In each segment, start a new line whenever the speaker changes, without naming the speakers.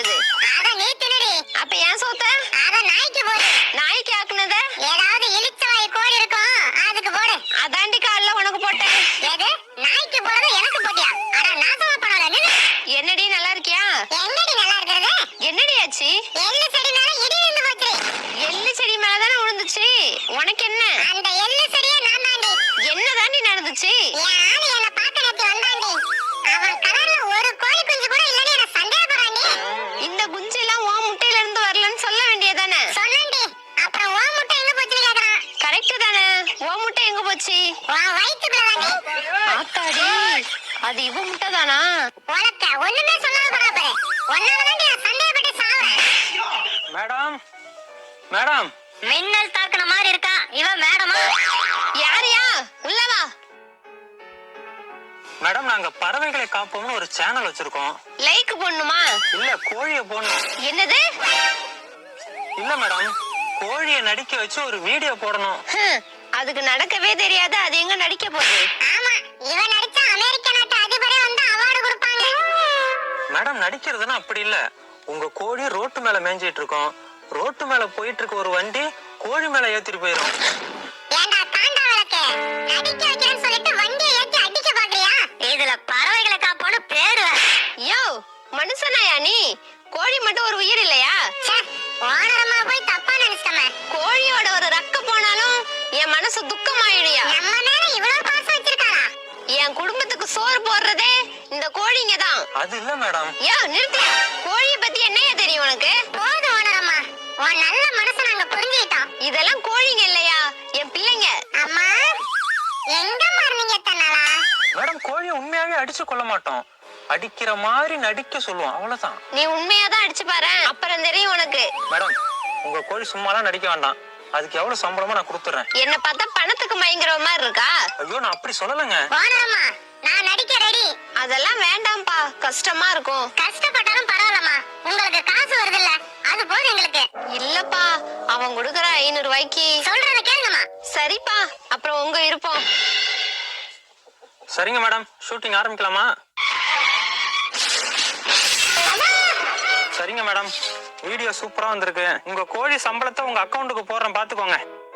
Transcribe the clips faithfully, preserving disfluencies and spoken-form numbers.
போகுது?
அத நீ தின்னுடி.
அப்ப ஏன் சோத்த?
அத நாய்க்கு போடு.
நாய்க்கு ஆக்குனத?
ஏதாவது இலிச்சவாய் கோழி இருக்கும் அதுக்கு போடு.
அதாண்டி கால்ல உனக்கு போட்டேன்.
எது? நாய்க்கு போடுறது எனக்கு போட்டியா? அட நாசமா போனவளே நில்லு.
என்னடி நல்லா இருக்கியா?
எங்கடி நல்லா இருக்கிறது?
என்னடி ஆச்சு?
எள்ளு செடி மேல இடி விழுந்து போச்சு.
எள்ளு செடி மேலதானே விழுந்துச்சு. உனக்கு என்ன?
அந்த எள்ளு செடியே நான் தாண்டி.
என்னதாண்டி நடந்துச்சு?
என் ஆளு என்ன பார்க்க நேத்து வந்தாண்டி. அவன் கலர்ல ஒரு கோழி குஞ்சு கூட இல்லன்னு என்ன சந்தேகப்படுறாண்டி.
இந்த குஞ்சு எல்லாம் உன் முட்டையில இருந்து வரலன்னு சொல்ல வேண்டியதானே?
சொன்னேன்டி. அப்புறம் உன் முட்டை எங்க போச்சுன்னு கேக்குறான்.
கரெக்ட் தானே? உன் முட்டை எங்க போச்சு?
உன் வயித்துக்குள்ளதாண்டி.
ஆத்தாடி, அது இவ முட்டை தானா?
உனக்கு ஒண்ணுமே சொல்லாம போறா பாரு. ஒன்னாலதாண்டி நான் சந்தேகப்பட்டு சாவறேன்.
மேடம் மேடம்
மின்னல் தாக்குன மாதிரி இருக்கா இவன் மேடமா?
யாரியா? உள்ள வா.
மேடம் நாங்க பறவைகளை காப்போம்னு ஒரு சேனல் வச்சிருக்கோம்.
லைக் போடணுமா?
இல்ல கோழியை போடணும்.
என்னது?
இல்ல மேடம், கோழியை நடிக்க வச்சு ஒரு வீடியோ போடணும்.
ஹம், அதுக்கு நடக்கவே தெரியாது. அது எங்க நடிக்க போகுது?
ஆமா, இவன் நடிச்ச அமெரிக்க நாட்டு அதிபரே வந்து அவார்டு கொடுப்பாங்க.
மேடம் நடிக்கிறதுனா அப்படி இல்ல. உங்க கோழி ரோட்டு மேல மேய்ஞ்சிட்டு இருக்கோம். ரோட்டு மேல போயிட்டு இருக்க ஒரு வண்டி கோழி மேல ஏத்திட்டு போயிடும்.
ஏண்டா காண்டா விளக்கு, நடிக்க வைக்கிறேன்னு சொல்லிட்டு வண்டியை ஏத்தி அடிக்க பாக்குறியா? இதுல பறவைகளை காப்போன்னு பேரு.
யோ, மனுஷனாயா நீ? கோழி மட்டும் ஒரு உயிர் இல்லையா?
ஓனரமா போய் தப்பா நினைச்சிட்டமே.
கோழியோட ஒரு ரக்க போனாலும் என் மனசு துக்கமாயிடுயா.
நம்ம மேல இவ்வளவு பாசம் வச்சிருக்காரா?
என் குடும்பத்துக்கு சோறு போடுறதே இந்த கோழிங்க தான்.
அது இல்ல மேடம்.
யோ நிறுத்தியா? கோழிய பத்தி என்னையா தெரியும் உனக்கு?
போது ஓனரமா, உன் நல்ல மனசை நாங்க புரிஞ்சுக்கிட்டோம்.
இதெல்லாம் கோழிங்க இல்லையா, என் பிள்ளைங்க.
அம்மா, எங்க மாறினீங்க தன்னாலா?
மேடம் கோழியை உண்மையாவே அடிச்சு கொள்ள மாட்டோம். அடிக்கிற மாதிரி நடிக்க சொல்லுவோம், அவ்வளவுதான்.
நீ உண்மையாதான் அடிச்சு பாரு, அப்புறம் தெரியும் உனக்கு.
மேடம் உங்க கோழி சும்மாலாம் நடிக்க வேண்டாம். அதுக்கு எவ்வளவு சம்பளமா நான் கொடுத்துறேன்.
என்ன பார்த்தா பணத்துக்கு மயங்குற மாதிரி இருக்கா?
ஐயோ நான் அப்படி சொல்லலங்க.
ஓனரமா, நான் நடிக்க ரெடி.
அதெல்லாம் வேண்டாம்பா, கஷ்டமா இருக்கும்.
கஷ்டப்பட்டாலும் பரவாயில்லம்மா, உங்களுக்கு காசு வருது இல்ல, அது போதும் எங்களுக்கு.
இல்லப்பா, அவன் கொடுக்கற ஐநூறு ரூபாய்க்கு.
சொல்றத கேளுங்கம்மா.
சரிப்பா, அப்புறம் உங்க இருப்போம்.
சரிங்க மேடம், ஷூட்டிங் ஆரம்பிக்கலாமா? சரிங்க மேடம், வீடியோ சூப்பரா வந்திருக்கு. உங்க கோழி சம்பளத்தை உங்க அக்கவுண்ட்டுக்கு போடுறேன், பாத்துக்கோங்க.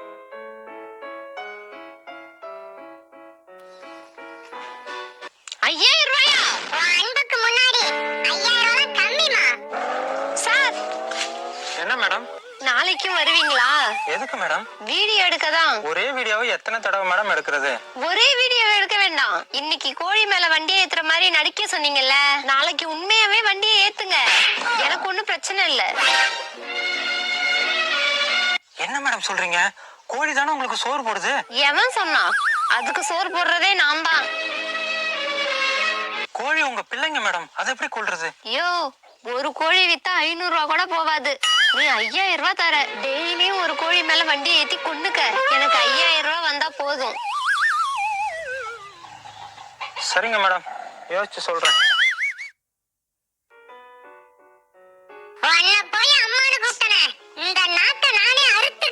ஐயாயிரம் ரூபாயா?
உன் அன்புக்கு முன்னாடி ஐயாயிரம் ரூபாய் கம்மிமா.
சார்,
என்ன மேடம்?
நாளைக்கும் வருவீங்களா?
எதுக்கு மேடம்?
வீடியோ எடுக்கதான்.
ஒரே வீடியோவை எத்தனை தடவை மேடம் எடுக்கிறது?
ஒரே வீடியோ எடுக்க வேண்டாம். இன்னைக்கு கோழி மேல வண்டியை ஏத்துற மாதிரி நடிக்க சொன்னீங்கல்ல, நாளைக்கு உண்மையாவே வண்டியை ஏத்துங்க. எனக்கு ஒண்ணும் பிரச்சனை இல்ல.
என்ன மேடம் சொல்றீங்க? கோழி தானே உங்களுக்கு சோறு போடுது.
எவன் சொன்னா? அதுக்கு சோறு போடுறதே நான் தான்.
கோழி உங்க பிள்ளைங்க மேடம், அதை எப்படி கொள்றது?
ஐயோ, ஒரு கோழி வித்தா ஐநூறு ரூபா கூட போவாது. நீ ஐயாயிரம் ரூபாய் தர. டெய்லியும் ஒரு கோழி மேல வண்டியை ஏத்தி கொண்டுக்க. எனக்கு ஐயாயிரம் ரூபாய் வந்தா போதும்.
சரிங்க மேடம், யோசிச்சு சொல்றேன்.
உன்னை போய் அம்மானு கூப்பிட்டனே, இந்த நாட்டை நானே அறுத்து